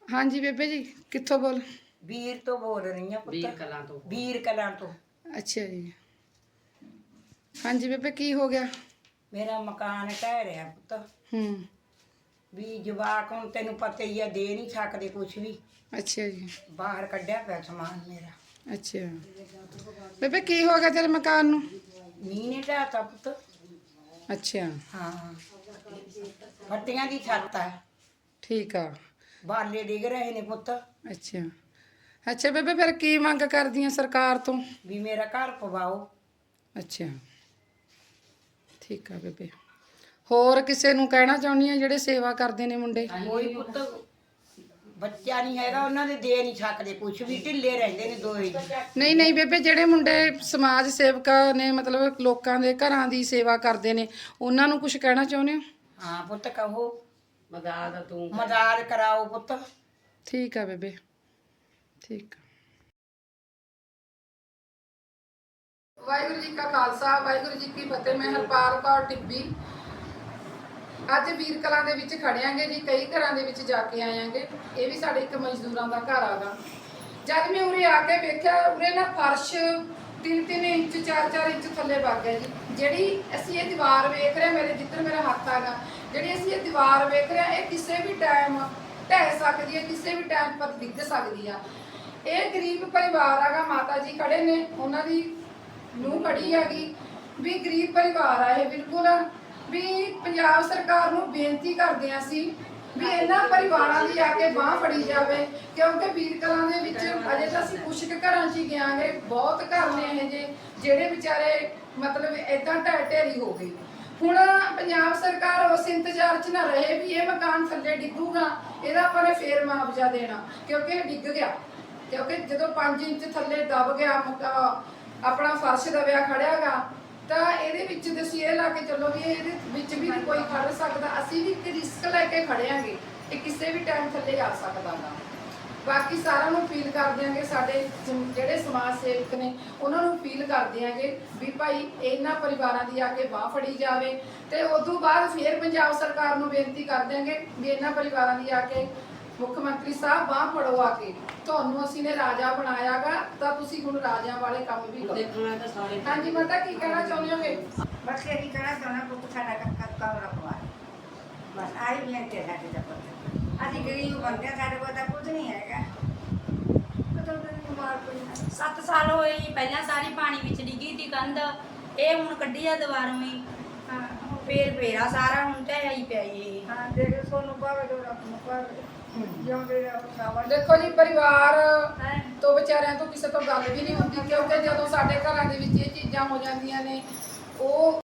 हाँ जी बेबे जी, कित्थों बोल? ਵੀਰ ਤੋਂ ਬੋਲ ਰਹੀ ਹਾਂ ਵੀਰ ਪੁੱਤ। ਕਲਾਂ ਤੋਂ। ਵੀਰ ਕਲਾਂ ਤੋਂ। अच्छा जी। हाँ जी बेबे, की हो गया? ਮੇਰਾ ਮਕਾਨ ਢਹਿ ਰਿਹਾ ਪੁੱਤ। ਵੀ ਜਵਾਕ ਹੁਣ ਤੈਨੂੰ ਪਤਾ ਹੀ ਆ, ਦੇ ਨਹੀਂ ਸਕਦੇ ਕੁਛ ਵੀ। अच्छा जी। ਬਾਹਰ ਕੱਢਿਆ ਪਿਆ ਸਮਾਨ ਮੇਰਾ। अच्छा बेबे, की हो गया तेरे मकान नू? ਮੀਂਹ ਨੇ ਢਾਤਾ ਪੁੱਤ। अच्छा ਹਾਂ, ਫੱਟੀਆਂ ਦੀ ਛੱਤ ਆ। ठीक आ। ਬਾਲੇ ਡਿੱਗ ਰਹੇ ਨੇ ਪੁੱਤ। अच्छा अच्छा बेबे, फिर की मंग करदी है सरकार तो? ਵੀ ਮੇਰਾ ਘਰ ਪਵਾਓ। अच्छा ठीक आ बेबे। होर किसे नू कहना चाहुंदी है ਜਿਹੜੇ सेवा करदे ने मुंडे? ਕੋਈ ਪੁੱਤ ਬੱਚਾ ਨਹੀਂ ਹੈਗਾ, ਉਹਨਾਂ ਦੇ ਦੇ ਨਹੀਂ ਸਕਦੇ ਕੁਛ ਵੀ, ਢਿੱਲੇ ਰਹਿੰਦੇ ਨੇ ਦੋਏ ਜੀ। ਨਹੀਂ ਨਹੀਂ ਬੇਬੇ, ਜਿਹੜੇ ਮੁੰਡੇ ਸਮਾਜ ਸੇਵਕ ਨੇ, ਮਤਲਬ ਲੋਕਾਂ ਦੇ ਘਰਾਂ ਦੀ ਸੇਵਾ ਕਰਦੇ ਨੇ, ਉਹਨਾਂ ਨੂੰ ਕੁਝ ਕਹਿਣਾ ਚਾਹੁੰਦੇ ਹੋ? ਹਾਂ ਪੁੱਤ ਕਹੋ, ਮਦਦ ਤੂੰ ਮਦਦ ਕਰਾਓ ਪੁੱਤ। ਠੀਕ ਆ ਬੇਬੇ, ਠੀਕ ਆ। ਵਾਹਿਗੁਰੂ ਜੀ ਕਾ ਖਾਲਸਾ, ਵਾਹਿਗੁਰੂ ਜੀ ਕੀ ਫਤਿਹ। ਮੈਂ ਹਰਪਾਲ ਕੌਰ ਟਿੱਬੀ ਅੱਜ ਵੀਰ ਕਲਾਂ ਦੇ ਵਿੱਚ ਖੜਿਆਂਗੇ ਜੀ। ਕਈ ਘਰਾਂ ਦੇ ਵਿੱਚ ਜਾ ਕੇ ਆਇਆਂਗੇ। ਇਹ ਵੀ ਸਾਡੇ ਇੱਕ ਮਜ਼ਦੂਰਾਂ ਦਾ ਘਰ ਆਗਾ। ਜਦ ਮੈਂ ਉਰੇ ਆ ਕੇ ਵੇਖਿਆ, ਉਰੇ ਨਾ ਫਰਸ਼ 3-3 ਇੰਚ 4-4 ਇੰਚ ਥੱਲੇ ਵਗ ਗਿਆ ਜੀ। ਜਿਹੜੀ ਅਸੀਂ ਇਹ ਦੀਵਾਰ ਵੇਖ ਰਹੇ, ਮੇਰੇ ਜਿੱਧਰ ਮੇਰਾ ਹੱਥ ਆਗਾ, ਜਿਹੜੀ ਅਸੀਂ ਇਹ ਦੀਵਾਰ ਵੇਖ ਰਹੇ, ਇਹ ਕਿਸੇ ਵੀ ਟਾਈਮ ਢਹਿ ਸਕਦੀ ਹੈ, ਕਿਸੇ ਵੀ ਟਾਈਮ ਪਰ ਡਿੱਗ ਸਕਦੀ ਆ। ਇਹ ਗਰੀਬ ਪਰਿਵਾਰ ਆਗਾ। ਮਾਤਾ ਜੀ ਖੜੇ ਨੇ, ਉਹਨਾਂ ਦੀ ਨੂੰਹ ਖੜੀ ਹੈਗੀ। ਵੀ ਗਰੀਬ ਪਰਿਵਾਰ ਆ ਇਹ ਬਿਲਕੁਲ। ਵੀ ਪੰਜਾਬ ਸਰਕਾਰ ਨੂੰ ਬੇਨਤੀ ਕਰਦੇ ਹਾਂ ਅਸੀਂ ਵੀ ਇਹਨਾਂ ਪਰਿਵਾਰਾਂ ਦੀ ਆ ਕੇ ਬਾਂਹ ਫੜੀ ਜਾਵੇ, ਕਿਉਂਕਿ ਵੀਰ ਕਲਾਂ ਦੇ ਵਿੱਚ ਅਜੇ ਤਾਂ ਅਸੀਂ ਕੁਛ ਕੁ ਘਰਾਂ 'ਚ ਹੀ ਗਿਆਂਗੇ। ਬਹੁਤ ਘਰ ਨੇ ਇਹ ਜਿਹੜੇ ਵਿਚਾਰੇ ਮਤਲਬ ਇਦਾਂ ਢਹਿ ਢੇਰੀ ਹੋ ਗਏ। ਹੁਣ ਪੰਜਾਬ ਸਰਕਾਰ ਉਸ ਇੰਤਜ਼ਾਰ 'ਚ ਨਾ ਰਹੇ ਵੀ ਇਹ ਮਕਾਨ ਥੱਲੇ ਡਿੱਗੂਗਾ, ਇਹਦਾ ਆਪਾਂ ਨੇ ਫੇਰ ਮੁਆਵਜ਼ਾ ਦੇਣਾ, ਕਿਉਂਕਿ ਇਹ ਡਿੱਗ ਗਿਆ। ਕਿਉਂਕਿ ਜਦੋਂ 5 ਇੰਚ ਥੱਲੇ ਦਬ ਗਿਆ, ਆਪਣਾ ਫਰਸ਼ ਦਬਿਆ ਖੜਿਆਗਾ, ਤਾਂ ਇਹਦੇ ਵਿੱਚ ਤੁਸੀਂ ਇਹ ਲਾ ਕੇ ਚੱਲੋ ਵੀ ਇਹਦੇ ਵਿੱਚ ਵੀ ਨਹੀਂ ਕੋਈ ਖੜ ਸਕਦਾ। ਅਸੀਂ ਵੀ ਇੱਕ ਰਿਸਕ ਲੈ ਕੇ ਖੜਿਆਂਗੇ, ਇਹ ਕਿਸੇ ਵੀ ਟਾਈਮ ਥੱਲੇ ਆ ਸਕਦਾ ਗਾ। ਬਾਕੀ ਸਾਰਿਆਂ ਨੂੰ ਅਪੀਲ ਕਰ ਦਿਆਂਗੇ, ਸਾਡੇ ਜਿਹੜੇ ਸਮਾਜ ਸੇਵਕ ਨੇ ਉਹਨਾਂ ਨੂੰ ਅਪੀਲ ਕਰ ਦਿਆਂਗੇ ਵੀ ਭਾਈ ਇਹਨਾਂ ਪਰਿਵਾਰਾਂ ਦੀ ਆ ਕੇ ਬਾਂਹ ਫੜੀ ਜਾਵੇ। ਤੇ ਉਦੋਂ ਬਾਅਦ ਫਿਰ ਪੰਜਾਬ ਸਰਕਾਰ ਨੂੰ ਬੇਨਤੀ ਕਰ ਦਿਆਂਗੇ ਵੀ ਇਹਨਾਂ ਪਰਿਵਾਰਾਂ ਦੀ ਆ ਕੇ ਮੁੱਖ ਮੰਤਰੀ ਸਾਹਿਬ ਬਾਂਹ ਫੜੋ ਆ ਕੇ। ਤੁਹਾਨੂੰ ਅਸੀਂ ਨੇ ਰਾਜਾ ਬਣਾਇਆਗਾ, ਤਾਂ ਤੁਸੀਂ ਹੁਣ ਰਾਜਿਆਂ ਵਾਲੇ ਕੰਮ ਵੀ ਕਰੋ। ਦੇਖਣਾ ਤਾਂ ਸਾਰੇ। ਹਾਂਜੀ ਮਾਤਾ, ਕੀ ਕਹਿਣਾ ਚਾਹੁੰਦੇ ਹੋਗੇ? ਬਸ ਇਹ ਕਹਿਣਾ ਚਾਹੁੰਦਾ ਪੁੱਤ ਸਾਡਾ ਕੰਮ ਰੱਖਵਾ। ਬਸ ਆਹੀ ਬੇਨਤੀ ਹੈ ਸਾਡੇ ਦਾ ਪੁੱਤ। ਅਸੀਂ ਗਰੀਬ ਬੰਦੇ ਹਾਂ, ਸਾਡੇ ਕੋਲ ਤਾਂ ਕੁਝ ਨਹੀਂ ਹੈਗਾ। 7 ਸਾਲ ਹੋਏ ਜੀ, ਪਹਿਲਾਂ ਸਾਰੀ ਪਾਣੀ ਵਿੱਚ ਡਿੱਗੀ ਤੀ ਕੰਧ, ਇਹ ਹੁਣ ਕੱਢੀ ਆ ਦੁਬਾਰੋਂ ਹੀ। ਫੇਰ ਫੇਰਾ ਸਾਰਾ ਹੁਣ ਢਹਿ ਹੀ ਪਿਆ ਜੀ। ਹਾਂ ਦੇਖ ਸੋਨੂੰ ਪਾਵੇ ਜੋ ਰੱਬ ਨੂੰ ਪਾਵੇ ਜਿਉਂਦੇ ਰੱਖਾਵਾ। ਦੇਖੋ ਜੀ, ਪਰਿਵਾਰ ਤੋਂ ਵਿਚਾਰਿਆਂ ਤੋਂ ਕਿਸੇ ਤੋਂ ਗੱਲ ਵੀ ਨਹੀਂ ਹੁੰਦੀ, ਕਿਉਂਕਿ ਜਦੋਂ ਸਾਡੇ ਘਰਾਂ ਦੇ ਵਿੱਚ ਇਹ ਚੀਜ਼ਾਂ ਹੋ ਜਾਂਦੀਆਂ ਨੇ, ਉਹ